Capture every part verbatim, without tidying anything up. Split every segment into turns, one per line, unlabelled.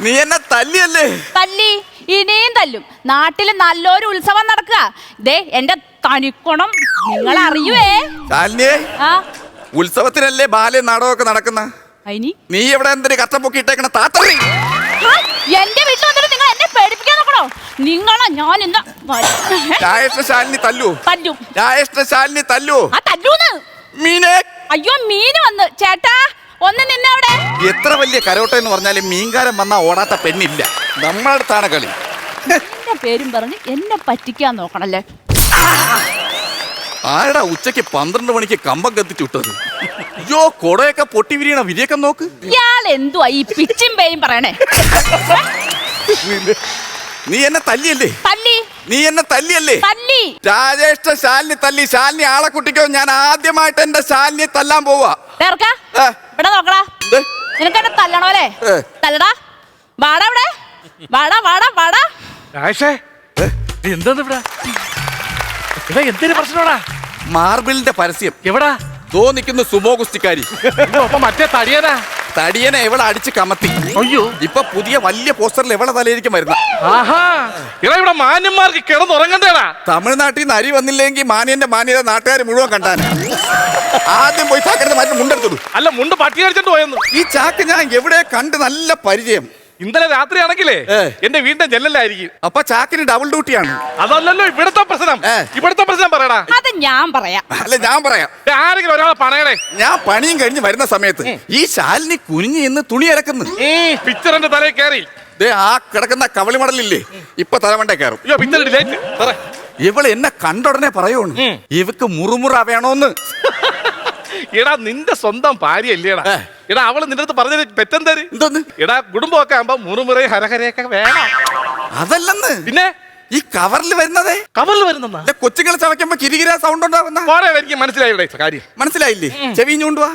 നീ എന്നെ തല്ലിയല്ലേ?
തല്ലി, ഇനിയും തല്ലും. നാട്ടില് നല്ലൊരു ഉത്സവം നടക്കുക. ദേ എന്റെ തനിക്കുണം നിങ്ങൾ അറിയുവേ.
ശാലിനിയെ,
ആ
ഉത്സവത്തിനല്ലേ ബാല്യ നാടകമൊക്കെ നടക്കുന്ന.
അയിനി
നീ എവിടെ എന്തൊരു കച്ചപ്പൊക്കി ഇട്ടേക്കണ താത്തറി?
എന്റെ വീട്ടിൽ വന്നിട്ട് നിങ്ങൾ എന്നെ പേടിപ്പിക്കാൻ നോക്കണോ? നിങ്ങളെ ഞാൻ ഇന്ന്
രാജേഷ്ഠ ശാലിനി തല്ലു.
തല്ലും.
രാജേഷ്ഠ ശാലിനി തല്ലു.
ആ തല്ലൂന്ന്.
മീനെ,
അയ്യോ മീന് വന്ന്. ചേട്ടാ ഒന്ന് നിന്നെ അവിടെ.
എത്ര വലിയ കരോട്ട എന്ന് പറഞ്ഞാലും മീൻകാരൻ വന്നാ ഓടാത്ത പെണ്ണില്ല. നമ്മളെ അടുത്താണ് കളി.
എന്റെ പേരും പറഞ്ഞ് എന്നെ പറ്റിക്കാൻ നോക്കണല്ലേ.
ആരടാ ഉച്ചക്ക് പന്ത്രണ്ട് മണിക്ക് കമ്പം കത്തിച്ചു വിട്ടത്? അയ്യോ കൊടയൊക്കെ പൊട്ടി വിരിയണ വിരിയൊക്കെ നോക്ക്.
ഇയാൾ എന്തുവാ ഈ പിച്ചും പേയും പറയണേ?
നീ എന്നെ തല്ലിയല്ലേ?
തല്ലി.
നീ എന്നെ തല്ലിയല്ലേ?
തല്ലി.
രാജേഷ്ഠ ശാലിനി തല്ലി. ശാലിനി ആളെ കുട്ടിക്കോ? ഞാൻ ആദ്യമായിട്ട് എന്റെ ശാലിനിയെ തല്ലാൻ പോവാ.
ഇവിടെ നോക്കടാ. നിനക്ക് എന്നെ തല്ലണോ അല്ലേ? തല്ലടാ. വാടാ ഇവിടെ. വാടാ വാടാ വാടാ.
എന്താ ഇവിടെ എന്തൊരു പ്രശ്നമാടാ?
മാർബിളിന്റെ പരസ്യം.
എവിടാ?
തോ നിൽക്കുന്നു സുമോ ഗുസ്തിക്കാരി.
മറ്റേ തടിയനാ?
തടിയനെ എവിടെ അടിച്ച് കമത്തി.
അയ്യോ,
ഇപ്പൊ പുതിയ വലിയ പോസ്റ്ററിൽ എവിടെ തലയിരിക്കും വരുന്ന.
ആഹാ, ഇവിടെ മാന്യന്മാർക്ക് കിടന്നുറങ്ങണ്ടേടാ.
തമിഴ്നാട്ടിൽ നിന്ന് അരി വന്നില്ലെങ്കിൽ മാന്യന്റെ മാന്യത നാട്ടുകാർ മുഴുവൻ കണ്ടാണ്. ആദ്യം പോയി ചാക്കെടുത്ത് മാറ്റി മുണ്ടെടുത്തു.
അല്ല, മുണ്ട് പട്ടി അടിച്ചിട്ട് പോയെന്ന്.
ഈ ചാക്ക് ഞാൻ എവിടെ കണ്ട് നല്ല പരിചയം.
ഇന്നലെ രാത്രി ആണെങ്കിലേ എന്റെ വീടിന്റെ ജനലായിരിക്കും.
അപ്പൊ ചാക്കിന് ഡബിൾ ഡ്യൂട്ടിയാണ്.
അതല്ലല്ലോ ഇവിടുത്തെ പ്രശ്നം. ഇവിടുത്തെ പ്രശ്നം പറയടാ.
അത് ഞാൻ പറയാം.
അല്ല ഞാൻ പറയാം.
ആരെങ്കിലും ഒരാളെ പണയടേ.
ഞാൻ പണിയും കഴിഞ്ഞ് വരുന്ന സമയത്ത് ഈ ശാലിനി കുനിഞ്ഞ് ഇന്ന് തുണി ഇറക്കുന്നു.
പിക്ചറിന്റെ തലയിൽ കയറി
ആ കിടക്കുന്ന കവളി മടലില്ലേ, ഇപ്പൊ തലമണ്ടേ കയറും. ഇവള് എന്നെ കണ്ടുടനെ പറയൂണ്, ഇവക്ക് മുറുമുറ വേണോന്ന്.
എടാ, നിന്റെ സ്വന്തം ഭാര്യ അല്ലേടാ. എടാ, അവള് നിന്റെ അടുത്ത് പറഞ്ഞ പെറ്റെന്തര്?
എന്തോന്ന്?
എടാ, കുടുംബമൊക്കെ ആകുമ്പോ മുറുമുറയും ഹരഹരയൊക്കെ വേണം.
അതല്ലെന്ന്.
പിന്നെ
ഈ കവറിൽ വരുന്നതേ.
കവറിൽ വരുന്ന
കൊച്ചുങ്ങളെ ചവയ്ക്കുമ്പോ കിരികിര സൗണ്ട് ഉണ്ടാവുന്ന
എനിക്ക് മനസ്സിലായി. ഇവിടെ കാര്യം
മനസ്സിലായില്ലേ? ചെവിഞ്ഞുകൊണ്ടുവാ.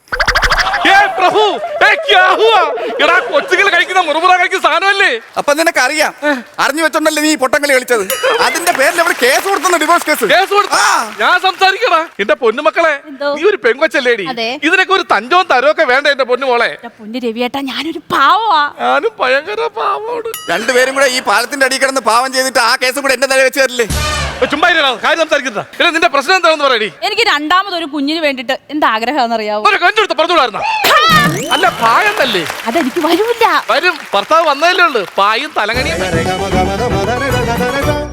കൊച്ചുകൾ കഴിക്കുന്ന മുറുമുറ കഴിക്കുന്ന സാധനമല്ലേ?
അപ്പൊ നിനക്ക് അറിയാം. അറിഞ്ഞു വെച്ചോണ്ടല്ലേ നീ പൊട്ടങ്ങളി കളിച്ചത്. അതിന്റെ പേരിൽ അവിടെ കേസ് കൊടുത്തു. Divorce case.
കേസ് കൊടുത്താ ഞാൻ സംസാരിക്കടാ. എന്റെ പൊന്നുമക്കളെ, നീ ഒരു പെങ്കൊച്ചല്ലേടി. ഇതിനൊക്കെ ഒരു തഞ്ചവും തരവും വേണ്ട എന്റെ പൊന്നുമോളെ.
പൊന്നു രവിയേട്ടാ, ഞാനൊരു പാവമാ.
ഞാനും ഭയങ്കര പാവമാണ്.
രണ്ടുപേരും കൂടെ ഈ പാലത്തിന്റെ അടിയിൽ കിടന്ന് പാവം ചെയ്തിട്ട് ആ കേസും കൂടെ എന്റെ തല വെച്ച് തരില്ലേ?
ചുമ്മാ കാര്യം സംസാരിക്കുന്ന നിന്റെ പ്രശ്നം എന്താണെന്ന് പറയടി.
എനിക്ക് രണ്ടാമതൊരു കുഞ്ഞിന് വേണ്ടിട്ട് എന്താ ആഗ്രഹം അറിയാവോ?
കഞ്ചെടുത്ത് പറഞ്ഞുകൂടായിരുന്ന? അല്ല, പായം തന്നെ.
അതെനിക്ക് വരൂല്ല.
വരും. ഭർത്താവ് വന്നതല്ലേ ഉള്ളു. പായും തലങ്ങണിയും.